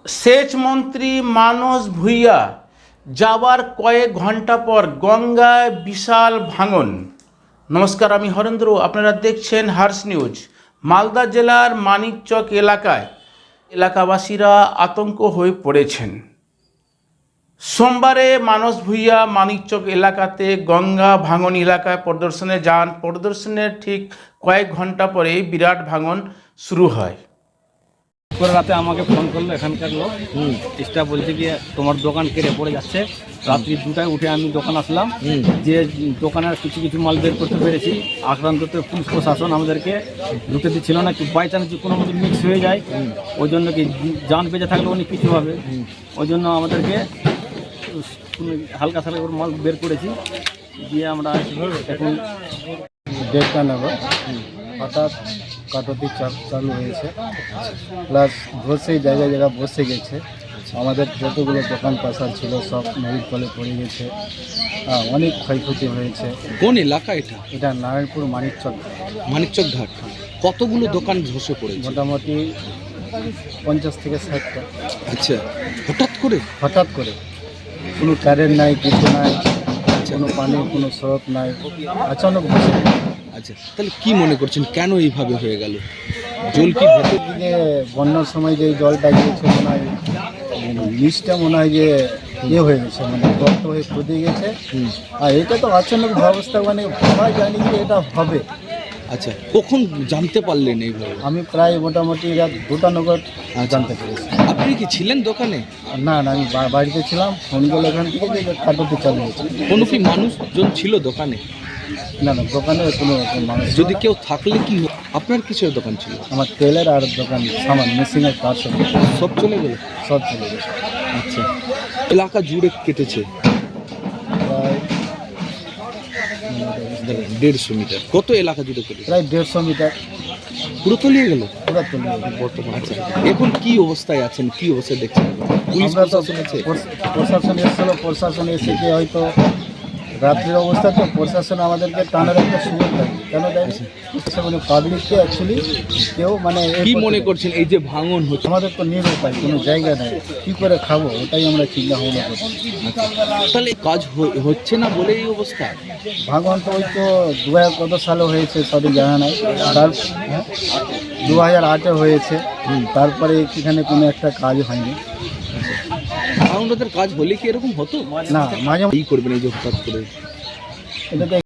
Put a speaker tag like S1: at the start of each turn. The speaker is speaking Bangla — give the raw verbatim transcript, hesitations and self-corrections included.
S1: সেচ মন্ত্রী মানস ভূঁইয়া যাওয়ার কয়েক ঘন্টা পর গঙ্গায় বিশাল ভাঙন। নমস্কার, আমি হরেন্দ্র, আপনারা দেখছেন হার্স নিউজ। মালদা জেলার মানিকচক এলাকায় এলাকাবাসীরা আতঙ্ক হয়ে পড়েছেন। সোমবারে মানস ভূঁইয়া মানিকচক এলাকাতে গঙ্গা ভাঙন এলাকায় পরিদর্শনে যান। পরিদর্শনের ঠিক কয়েক ঘন্টা পরে বিরাট ভাঙন শুরু হয়।
S2: করে রাতে আমাকে ফোন করলো এখানকার লোক, স্টাফ বলছে কি তোমার দোকান কেড়ে পড়ে যাচ্ছে। রাত্রি দুটায় উঠে আমি দোকান আসলাম, যে দোকানের কিছু কিছু মাল বের করতে পেরেছি। আক্রান্ততে পুলিশ প্রশাসন আমাদেরকে ঢুকে দিচ্ছিল না, কি বাই চান্স যে কোনো মতো মিক্স হয়ে যায়, ওই জন্য কি যান বেঁচে থাকলে অনেক কিছু হবে, ওই জন্য আমাদেরকে হালকা সালকা করে মাল বের করেছি। দিয়ে আমরা এখন
S3: দেড়টা নাগাদ হঠাৎ কাটতি চাপ চালু হয়েছে, প্লাস বসে জায়গায় জায়গায় বসে গেছে। আমাদের যতগুলো দোকান পাশার ছিল সব নদীর তলে পড়ে গেছে। হ্যাঁ, অনেক ক্ষয়ক্ষতি হয়েছে।
S4: কোন এলাকা এটা?
S3: এটা নারায়ণপুর মানিকচক
S4: মানিকচক ঘাট। কতগুলো দোকান ধসে পড়েছে?
S3: মোটামুটি পঞ্চাশ থেকে ষাটটা।
S4: আচ্ছা, হঠাৎ করে
S3: হঠাৎ করে কোনো কারেন্ট নাই, কিছু নাই, কোনো পানি, কোনো স্রোত নাই, আচানক বসে।
S4: আচ্ছা, তাহলে কি মনে করছেন কেন এইভাবে হয়ে গেল? জল কি ভেতর
S3: যে বন্যার সময় যে জলটা গিয়েছে মনে হয় নিচটা মনে হয় যে ইয়ে হয়ে গেছে, মানে গর্ত হয়ে খুঁজে গেছে। আর এটা তো আচানক ব্যবস্থা, মানে ভাবা জানি যে এটা হবে।
S4: আচ্ছা, কখন জানতে পারলেন এইভাবে?
S3: আমি প্রায় মোটামুটি রাত দুটা নগর জানতে পেরেছি।
S4: আপনি কি ছিলেন দোকানে?
S3: না না, আমি বা- বাড়িতে ছিলাম। ফোন করলে এখান থেকে যে কাটতে চালু হয়েছে।
S4: কোনো কি মানুষজন ছিল দোকানে?
S3: না না, দোকানে কোনো রকম মানুষ ছিল
S4: যদি
S3: না।
S4: কেউ থাকলে কি হতো? আপনার কিসের দোকান ছিল?
S3: আমার তেলের আর দোকান সামান মেশিনের তার সব
S4: সব চলে গেল?
S3: সব চলে গেছে।
S4: আচ্ছা, এলাকা জুড়ে কেটেছে
S3: প্রায়
S4: দেড়শো মিটার। কত এলাকা জুড়ে কেটেছে?
S3: প্রায় দেড়শো মিটার
S4: পুরো তলিয়ে গেল।
S3: পুরো চলে গেছে বর্তমানে।
S4: আচ্ছা, এখন কি অবস্থায় আছেন, কি অবস্থায় দেখছেন? পুলিশ
S3: আমরা তো
S4: প্রশাসন আছে?
S3: প্রশ- প্রশাসন এসেছিল, প্রশাসন এসে যে হয়তো রাত্রির অবস্থা তো প্রশাসন আমাদেরকে টানার একটা সুযোগ দেয়। কেন দেয়? মানে পাবলিককে অ্যাকচুয়ালি কেউ মানে এ
S4: কি
S3: করতে
S4: মনে
S3: দেয়।
S4: করছেন এই যে ভাঙন হচ্ছে?
S3: আমাদের তো নিরুপায়, কোনো জায়গা নেই, কী করে খাবো ওটাই আমরা চিন্তা ভাবনা করছি।
S4: তাহলে কাজ হ- হচ্ছে না বলে এই অবস্থা?
S3: ভাগবান তো ওই তো দু হাজার কত সালে হয়েছে সঠিক জানা নাই, তার হ্যাঁ, দু হাজার আটে হয়েছে। তারপরে এখানে কোনো একটা কাজ হয়নি।
S4: ভাঙনটার কাজ হলে কি এরকম হতো
S3: না, মাঝে
S4: এই করবেন এই যে হঠাৎ করে?
S3: এটা তো